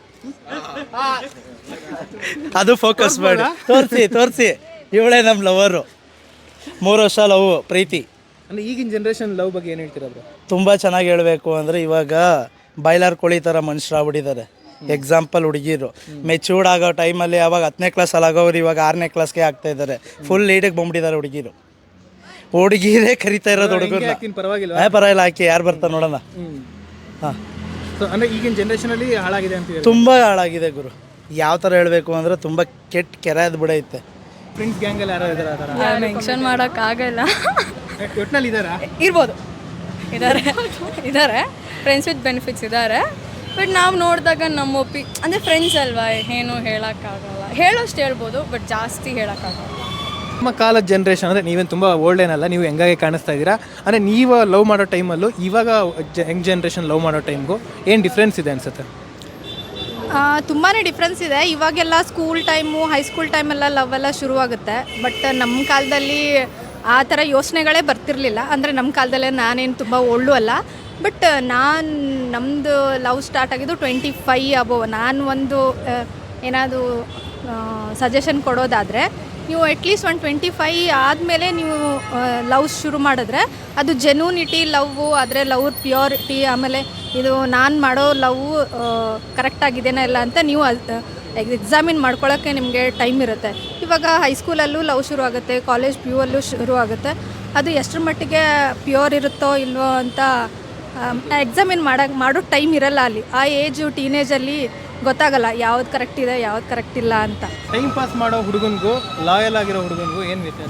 Speaker 10: ಅದು ಫೋಕಸ್ ಮಾಡಿ ತೋರಿಸಿ ತೋರಿಸಿ ಇವಳೇ ನಮ್ಮ ಲವರು. ಮೂರು ವರ್ಷ ಲವ್ ಪ್ರೀತಿ.
Speaker 1: ಅಂದರೆ ಈಗಿನ ಜನ್ರೇಷನ್ ಲವ್ ಬಗ್ಗೆ ಏನು ಹೇಳ್ತೀರಾ ಬ್ರೋ?
Speaker 10: ತುಂಬ ಚೆನ್ನಾಗಿ ಹೇಳಬೇಕು ಅಂದರೆ ಇವಾಗ ಬಾಯ್ಲರ್ ಕೋಳಿ ಥರ ಮನುಷ್ಯರಾಗ್ಬಿಟ್ಟಿದ್ದಾರೆ. ಎಕ್ಸಾಂಪಲ್ ಹುಡುಗಿರು ಮೆಚೂರ್ಡ್ ಆಗೋ ಟೈಮಲ್ಲಿ ಅವಾಗ ಹತ್ತನೇ ಕ್ಲಾಸಲ್ಲಿ ಆಗೋರು ಇವಾಗ ಆರನೇ ಕ್ಲಾಸ್ಗೆ ಆಗ್ತಾ ಇದ್ದಾರೆ. ಫುಲ್ ಲೀಡಿಗೆ ಬಂದ್ಬಿಟ್ಟಿದ್ದಾರೆ ಹುಡುಗಿರು. ಹುಡುಗಿರೇ ಕರಿತಾ ಇರೋದು ಹುಡುಗರು.
Speaker 1: ಪರವಾಗಿಲ್ಲ,
Speaker 10: ಪರವಾಗಿಲ್ಲ, ಹಾಕಿ ಯಾರು ಬರ್ತಾರೆ ನೋಡೋಣ. ಹಾಂ,
Speaker 1: ಸೊ ಅಂದರೆ ಈಗಿನ ಜನ್ರೇಷನಲ್ಲಿ ಹಾಳಾಗಿದೆ ಅಂತ?
Speaker 10: ತುಂಬ ಹಾಳಾಗಿದೆ ಗುರು. ಯಾವ ಥರ ಹೇಳಬೇಕು ಅಂದರೆ ತುಂಬ ಕೆಟ್ಟ ಕೆರೆ ಅದು ಬಿಡೈತೆ.
Speaker 1: ಫ್ರೆಂಡ್ಸ್ ಗ್ಯಾಂಗಲ್ಲಿ ಯಾರು ಇದ್ದಾರೆ? ಆ ಥರ
Speaker 3: ಮೆನ್ಷನ್ ಮಾಡೋಕ್ಕಾಗಲ್ಲ.
Speaker 1: ಒಟ್ಟಿನಲ್ಲಿ ಇದ್ದಾರಾ?
Speaker 3: ಇರ್ಬೋದು, ಇದ್ದಾರೆ ಇದ್ದಾರೆ ಫ್ರೆಂಡ್ಸ್ ವಿತ್ ಬೆನಿಫಿಟ್ಸ್ ಇದ್ದಾರೆ. ಬಟ್ ನಾವು ನೋಡಿದಾಗ ನಮ್ಮ ಒಪ್ಪಿ ಅಂದರೆ ಫ್ರೆಂಡ್ಸ್ ಅಲ್ವಾ, ಏನು ಹೇಳೋಕ್ಕಾಗಲ್ಲ. ಹೇಳೋಷ್ಟು ಹೇಳ್ಬೋದು, ಬಟ್ ಜಾಸ್ತಿ ಹೇಳೋಕ್ಕಾಗಲ್ಲ.
Speaker 1: ನಮ್ಮ ಕಾಲದ ಜನ್ರೇಷನ್ ಅಂದರೆ ನೀವೇನು ತುಂಬ ಓಲ್ಡ್ ಏನಲ್ಲ, ನೀವು ಹೆಂಗಾಗಿ ಕಾಣಿಸ್ತಾ ಇದ್ದೀರಾ. ಅಂದರೆ ನೀವು ಲವ್ ಮಾಡೋ ಟೈಮಲ್ಲೂ ಇವಾಗ ಜ ಯಂಗ್ ಜನ್ರೇಷನ್ ಲವ್ ಮಾಡೋ ಟೈಮ್ಗೂ ಏನು ಡಿಫ್ರೆನ್ಸ್ ಇದೆ ಅನಿಸುತ್ತೆ?
Speaker 2: ತುಂಬಾ ಡಿಫ್ರೆನ್ಸ್ ಇದೆ. ಇವಾಗೆಲ್ಲ ಸ್ಕೂಲ್ ಟೈಮು ಹೈಸ್ಕೂಲ್ ಟೈಮೆಲ್ಲ ಲವ್ ಎಲ್ಲ ಶುರುವಾಗುತ್ತೆ. ಬಟ್ ನಮ್ಮ ಕಾಲದಲ್ಲಿ ಆ ಥರ ಯೋಚನೆಗಳೇ ಬರ್ತಿರಲಿಲ್ಲ. ಅಂದರೆ ನಮ್ಮ ಕಾಲದಲ್ಲೇ ನಾನೇನು ತುಂಬ ಓಲ್ಡು ಅಲ್ಲ. ಬಟ್ ನಾನು ನಮ್ಮದು ಲವ್ ಸ್ಟಾರ್ಟ್ ಆಗಿದ್ದು ಟ್ವೆಂಟಿ ಫೈ ಅಬೋವ್. ನಾನು ಒಂದು ಏನಾದರೂ ಸಜೆಷನ್ ಕೊಡೋದಾದರೆ, ನೀವು ಅಟ್ಲೀಸ್ಟ್ ಒಂದು ಟ್ವೆಂಟಿ ಫೈ ಆದಮೇಲೆ ನೀವು ಲವ್ ಶುರು ಮಾಡಿದ್ರೆ ಅದು ಜೆನ್ಯೂನಿಟಿ ಲವ್ವು, ಆದರೆ ಲವ್ ಪ್ಯೂರಿಟಿ, ಆಮೇಲೆ ಇದು ನಾನು ಮಾಡೋ ಲವ್ ಕರೆಕ್ಟಾಗಿದೆಯಾ ಇಲ್ಲ ಅಂತ ನೀವು ಎಕ್ಸಾಮಿನ್ ಮಾಡ್ಕೊಳ್ಳೋಕ್ಕೆ ನಿಮಗೆ ಟೈಮ್ ಇರುತ್ತೆ. ಇವಾಗ ಹೈಸ್ಕೂಲಲ್ಲೂ ಲವ್ ಶುರು ಆಗುತ್ತೆ, ಕಾಲೇಜ್ ಪಿ ಯು ಅಲ್ಲೂ ಶುರು ಆಗುತ್ತೆ. ಅದು ಎಷ್ಟರ ಮಟ್ಟಿಗೆ ಪ್ಯೂರ್ ಇರುತ್ತೋ ಇಲ್ವೋ ಅಂತ ಎಕ್ಸಾಮಿನ್ ಮಾಡೋಕ್ಕೆ ಮಾಡೋ ಟೈಮ್ ಇರಲ್ಲ ಅಲ್ಲಿ. ಆ ಏಜು ಟೀನೇಜಲ್ಲಿ ಗೊತ್ತಾಗಲ್ಲ ಯಾವ್ದು ಕರೆಕ್ಟ್ ಇದೆ ಯಾವ್ದು ಕರೆಕ್ಟ್ ಇಲ್ಲ ಅಂತ.
Speaker 1: ಟೈಮ್ ಪಾಸ್ ಮಾಡೋ ಹುಡುಗನಿಗೂ ಲಾಯಲ್ ಆಗಿರೋ ಹುಡುಗನಿಗೂ ಏನು ವ್ಯತ್ಯಾಸ?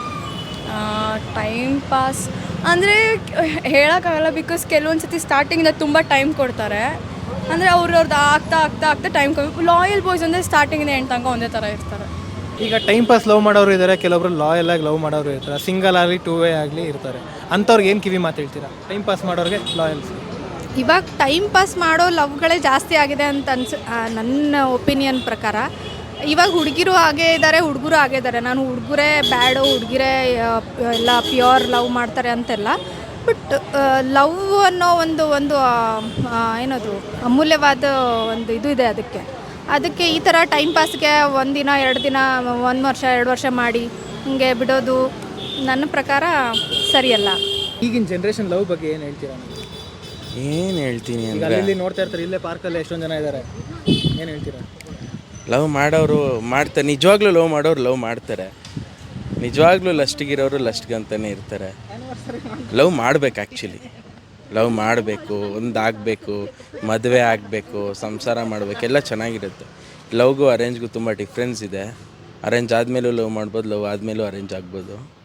Speaker 3: ಟೈಮ್ ಪಾಸ್ ಅಂದರೆ ಹೇಳೋಕ್ಕಾಗಲ್ಲ. ಬಿಕಾಸ್ ಕೆಲವೊಂದು ಸತಿ ಸ್ಟಾರ್ಟಿಂಗಿಂದ ತುಂಬ ಟೈಮ್ ಕೊಡ್ತಾರೆ. ಅಂದರೆ ಅವ್ರವ್ರದ್ದು ಆಗ್ತಾ ಆಗ್ತಾ ಆಗ್ತಾ ಟೈಮ್ ಕಮ್ಮಿ. ಲಾಯಲ್ ಬಾಯ್ಸ್ ಅಂದರೆ ಸ್ಟಾರ್ಟಿಂಗಿಂದ ಎಂಟು ತನಕ ಒಂದೇ ಥರ ಇರ್ತಾರೆ.
Speaker 1: ಈಗ ಟೈಮ್ ಪಾಸ್ ಲವ್ ಮಾಡೋರು ಇದ್ದಾರೆ, ಕೆಲವೊಬ್ರು ಲಾಯಲ್ ಆಗಿ ಲವ್ ಮಾಡೋರು ಇರ್ತಾರೆ, ಸಿಂಗಲ್ ಆಗಲಿ ಟೂ ವೇ ಆಗಲಿ ಇರ್ತಾರೆ. ಅಂಥವ್ರಿಗೆ ಏನು ಕಿವಿ ಮಾತು ಹೇಳ್ತೀರಾ? ಟೈಮ್ ಪಾಸ್ ಮಾಡೋರಿಗೆ ಲಾಯಲ್ಸ್.
Speaker 2: ಇವಾಗ ಟೈಮ್ ಪಾಸ್ ಮಾಡೋ ಲವ್ಗಳೇ ಜಾಸ್ತಿ ಆಗಿದೆ ಅಂತ ಅನ್ಸ ನನ್ನ ಒಪಿನಿಯನ್ ಪ್ರಕಾರ. ಇವಾಗ ಹುಡುಗಿರು ಹಾಗೇ ಇದ್ದಾರೆ, ಹುಡುಗರು ಹಾಗೇ ಇದ್ದಾರೆ. ನಾನು ಹುಡುಗರೇ ಬ್ಯಾಡು, ಹುಡುಗಿರೇ ಎಲ್ಲ ಪ್ಯೂರ್ ಲವ್ ಮಾಡ್ತಾರೆ ಅಂತೆಲ್ಲ. ಬಟ್ ಲವ್ ಅನ್ನೋ ಒಂದು ಒಂದು ಏನದು ಅಮೂಲ್ಯವಾದ ಒಂದು ಇದು ಇದೆ ಅದಕ್ಕೆ. ಅದಕ್ಕೆ ಈ ಥರ ಟೈಮ್ ಪಾಸ್ಗೆ ಒಂದಿನ ಎರಡು ದಿನ ಒಂದು ವರ್ಷ ಎರಡು ವರ್ಷ ಮಾಡಿ ಹಿಂಗೆ ಬಿಡೋದು ನನ್ನ ಪ್ರಕಾರ ಸರಿಯಲ್ಲ.
Speaker 1: ಈಗಿನ ಜನ್ರೇಷನ್ ಲವ್ ಬಗ್ಗೆ ಏನು ಹೇಳ್ತೀರಾ?
Speaker 11: ಏನು ಹೇಳ್ತೀನಿ
Speaker 1: ಈಗ
Speaker 11: ಅಂದರೆ,
Speaker 1: ಅಲ್ಲಿ ನೋಡ್ತಾ ಇರ್ತಾರೆ, ಇಲ್ಲೇ ಪಾರ್ಕಲ್ಲಿ ಎಷ್ಟೊಂದು ಜನ ಇದ್ದಾರೆ, ಏನು ಹೇಳ್ತೀರಾ?
Speaker 11: ಲವ್ ಮಾಡೋರು ಮಾಡ್ತಾರೆ, ನಿಜವಾಗ್ಲೂ ಲವ್ ಮಾಡೋರು ಲವ್ ಮಾಡ್ತಾರೆ. ನಿಜವಾಗ್ಲೂ ಲಸ್ಟಿಗಿರೋರು ಲಸ್ಟ್ಗಂತಲೇ ಇರ್ತಾರೆ. ಲವ್ ಮಾಡ್ಬೇಕು, ಆ್ಯಕ್ಚುಲಿ ಲವ್ ಮಾಡಬೇಕು, ಒಂದಾಗಬೇಕು, ಮದುವೆ ಆಗಬೇಕು, ಸಂಸಾರ ಮಾಡಬೇಕು, ಎಲ್ಲ ಚೆನ್ನಾಗಿರುತ್ತೆ. ಲವ್ಗೂ ಅರೇಂಜ್ಗೂ ತುಂಬ ಡಿಫ್ರೆನ್ಸ್ ಇದೆ. ಅರೇಂಜ್ ಆದಮೇಲೂ ಲವ್ ಮಾಡ್ಬೋದು, ಲವ್ ಆದಮೇಲೂ ಅರೇಂಜ್ ಆಗ್ಬೋದು.